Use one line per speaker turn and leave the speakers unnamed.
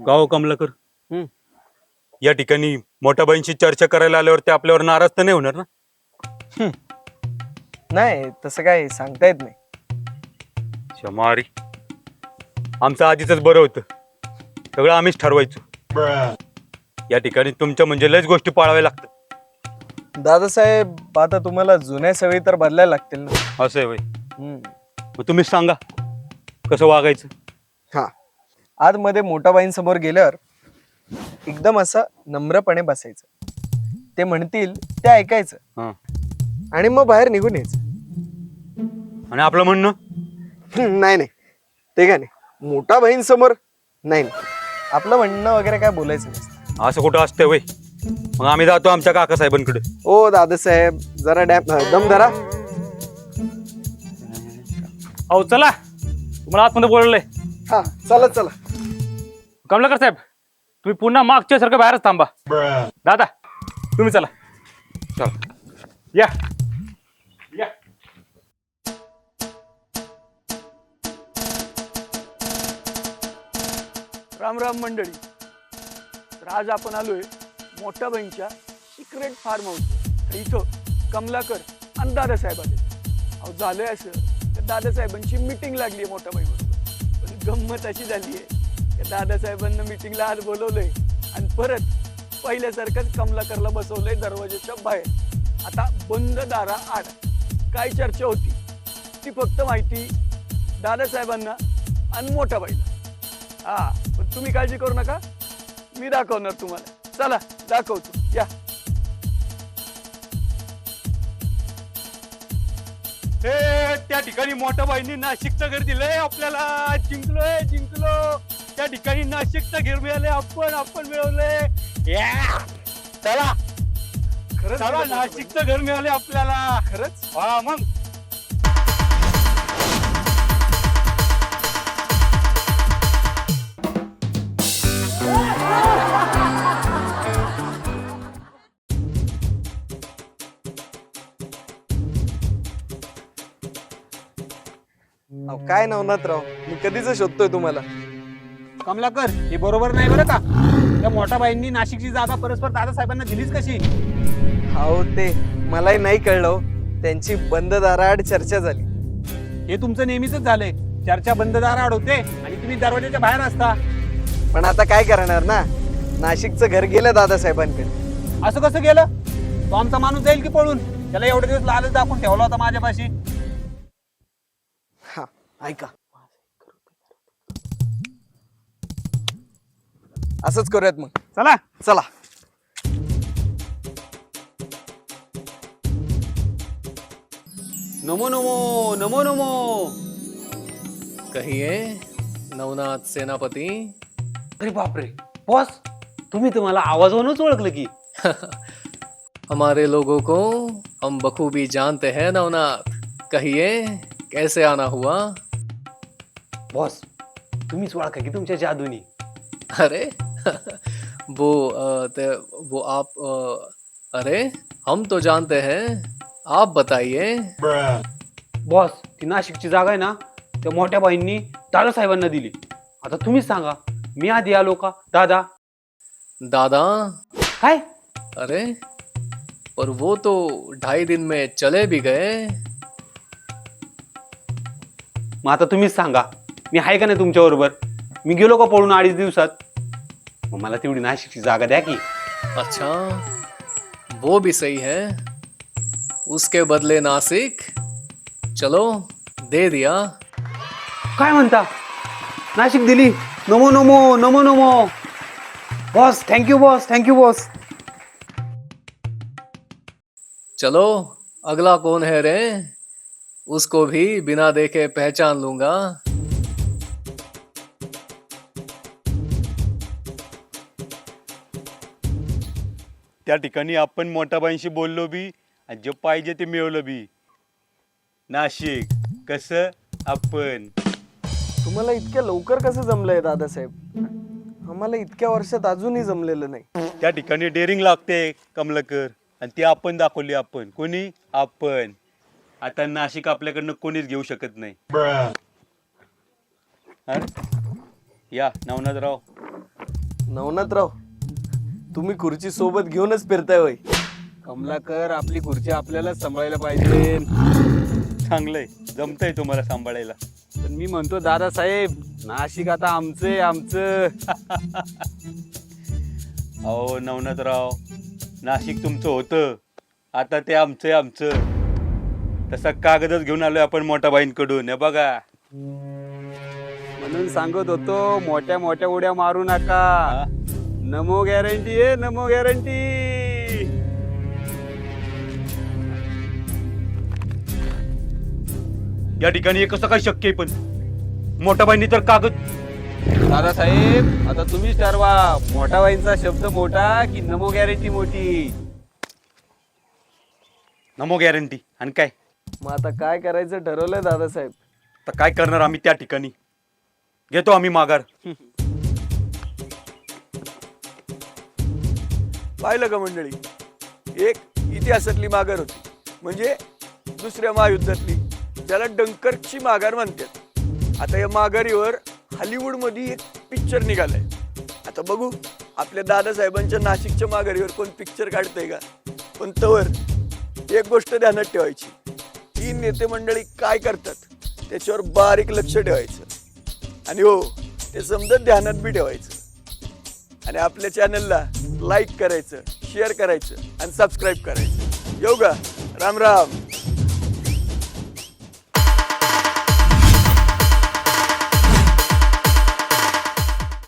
का हो कमलाकर,
हम्म.
या ठिकाणी मोठ्या बहिणीशी चर्चा करायला आल्यावर ते आपल्यावर नाराज तर नाही होणार ना?
नाही तसं काय सांगता येत नाही.
शमारी, आमचं आधीच बरं होतं, सगळं आम्हीच ठरवायचो. या ठिकाणी तुमच्या म्हणजे लयच गोष्टी पाळाव्या लागतात.
दादासाहेब आता तुम्हाला जुन्या सवयी तर बदलायला लागतील ना.
असं आहे वय. मग तुम्हीच सांगा कसं वागायचं.
हा, आतमध्ये मोठ्या बाईंसमोर गेल्यावर एकदम असं नम्रपणे बसायचं. ते म्हणतील ते ऐकायचं
हा.
आणि मग बाहेर निघून यायचं.
आणि आपलं म्हणणं?
नाही नाही, ते काय नाही, मोठ्या बहीणसमोर नाही नाही, आपलं म्हणणं वगैरे काय बोलायचं नसतं.
असं कुठं असतंय वय? मग आम्ही जातो आमच्या काकासाहेबांकडे.
ओ दादासाहेब जरा दम धरा.
अहो चला, तुम्हाला आतमध्ये बोलवलंय.
हा चला चला.
कमलाकर साहेब, तुम्ही पुन्हा मागच्या सारखं बाहेरच थांबा. दादा तुम्ही चला.
चला.
या या.
राम राम मंडळी. तर आज आपण आलोय मोठ्या बहीणच्या सिक्रेट फार्म हाऊस. इथं कमलाकर आणि दादासाहेब आले. अहो झालंय असं, तर दादासाहेबांची मीटिंग लागली आहे मोठ्या बहीणबरोबर. पण गंमत अशी झाली आहे की दादासाहेबांना मीटिंगला आज बोलवलंय आणि परत पहिल्यासारखंच कमलाकरला बसवलंय दरवाजाच्या बाहेर. आता बंद दारा आड काय चर्चा होती ती फक्त माहिती दादासाहेबांना आणि मोठ्या बाईला. हा, पण तुम्ही काळजी करू नका, मी दाखवणार तुम्हाला. चला दाखवतो, या.
त्या ठिकाणी मोठ्या बहिणी नाशिकचं घर दिलंय आपल्याला. जिंकलोय जिंकलो. त्या ठिकाणी नाशिकचं घर मिळाले, आपण मिळवलंय. चला
खरंच
चला, नाशिकचं घर मिळाले आपल्याला.
खरंच.
हा मग.
अहो, काय नवनाथराव, मी कधीच शोधतोय तुम्हाला.
कमलाकर, हे बरोबर नाही बरं का. त्या मोठ्या बाईंनी नाशिकची जागा परस्पर दादासाहेबांना दिलीच कशी?
अहो ते मलाही नाही कळलं हो. त्यांची बंद दाराआड चर्चा झाली.
हे तुमचं नेहमीच झालंय, चर्चा बंद दाराआड होते आणि तुम्ही दरवाजाच्या बाहेर असता.
पण आता काय करणार ना, नाशिकचं घर गेलं दादासाहेबांकडे.
असं कसं गेलं? तो आमचा माणूस जाईल की पळून? त्याला एवढे दिवस लालच दाखवून ठेवला होता माझ्यापाशी.
हा ऐका, असंच करूयात मग.
चला.
चला.
नमो नमो नमो नमो.
कहिए नवनाथ सेनापति.
अरे बापरे बॉस, तुम्ही तुम्हाला आवाजावरूनच ओळखलं की.
हमारे लोगों को हम बखूबी जानते हैं नवनाथ. कहिए कैसे आना हुआ?
बॉस, तुम्हीच ओळखा की तुमच्या जादूनी.
अरे वो आप अरे हम तो जानते हैं, आप बताइए.
बॉस, ती नाशिकची जागा आहे ना, त्या मोठ्या बाईंनी दादासाहेबांना दिली. आता तुम्हीच सांगा, मी आधी आलो का दादा?
दादा?
काय?
अरे पर वो तो 2.5 दिन में चले भी गए.
मग आता तुम्हीच सांगा, मी आहे का नाही तुमच्या बरोबर? मी गेलो का पळून 2.5 दिवसात? मग मला तेवढी नाशिकची जागा द्या की.
अच्छा, वो भी सही है. उसके बदले नासिक, चलो दे दिया.
काय म्हणता? नाशिक दिली? Namo Namo Namo Namo. Boss thank you, boss thank you boss.
चलो अगला कौन है रे? उसको भी बिना देखे पहचान लूंगा.
त्या ठिकाणी आपण मोठ्या बाईंशी बोललो बी आणि जे पाहिजे ते मिळवलं बी. नाशिक कसं आपण.
तुम्हाला इतक्या लवकर कसं जमलंय दादासाहेब? आम्हाला इतक्या वर्षात अजूनही जमलेलं नाही.
त्या ठिकाणी डेअरिंग लागते कमलाकर, आणि ती आपण दाखवली. आपण कोणी? आपण. आता नाशिक आपल्याकडनं कोणीच घेऊ शकत नाही. हा? या नवनाथराव,
नवनाथराव, तुम्ही खुर्ची सोबत घेऊनच फिरताय होय. कमलाकर, आपली खुर्ची आपल्याला सांभाळायला पाहिजे.
चांगलंय, जमतंय तुम्हाला सांभाळायला.
पण मी म्हणतो दादासाहेब, नाशिक आता आमचं.
अहो नवनाथराव, नाशिक तुमचं होतं, आता ते आमचं. तसा कागदच घेऊन आलोय आपण मोठ्या बाईंकडून. हे बघा,
म्हणून सांगत होतो, मोठ्या मोठ्या उड्या मारू नका. नमो गॅरंटी आहे, नमो गॅरंटी.
या ठिकाणी हे कसं काय शक्य आहे? पण मोठ्या बाईंनी तर कागद.
दादासाहेब, आता तुम्हीच ठरवा, मोठा बाईंचा शब्द मोठा की नमो गॅरंटी मोठी.
नमो गॅरंटी. आणि काय
मग आता काय करायचं ठरवलंय दादासाहेब?
तर काय करणार आम्ही त्या ठिकाणी? घेतो आम्ही माघार.
पाहिलं का मंडळी, एक इतिहासातली माघार होती, म्हणजे दुसऱ्या महायुद्धातली, ज्याला डंकर्कची माघार म्हणतात. आता या माघारीवर हॉलिवूडमध्ये एक पिक्चर निघालाय. आता बघू आपल्या दादासाहेबांच्या नाशिकच्या माघारीवर कोण पिक्चर काढतंय का. पण तवर एक गोष्ट ध्यानात ठेवायची, ही नेते मंडळी काय करतात त्याच्यावर बारीक लक्ष ठेवायचं. आणि हो, ते समजत ध्यानात बी ठेवायचं. आणि आपल्या चॅनलला लाईक करायचं, शेअर करायचं आणि सबस्क्राईब करायचं. येऊ का? राम राम.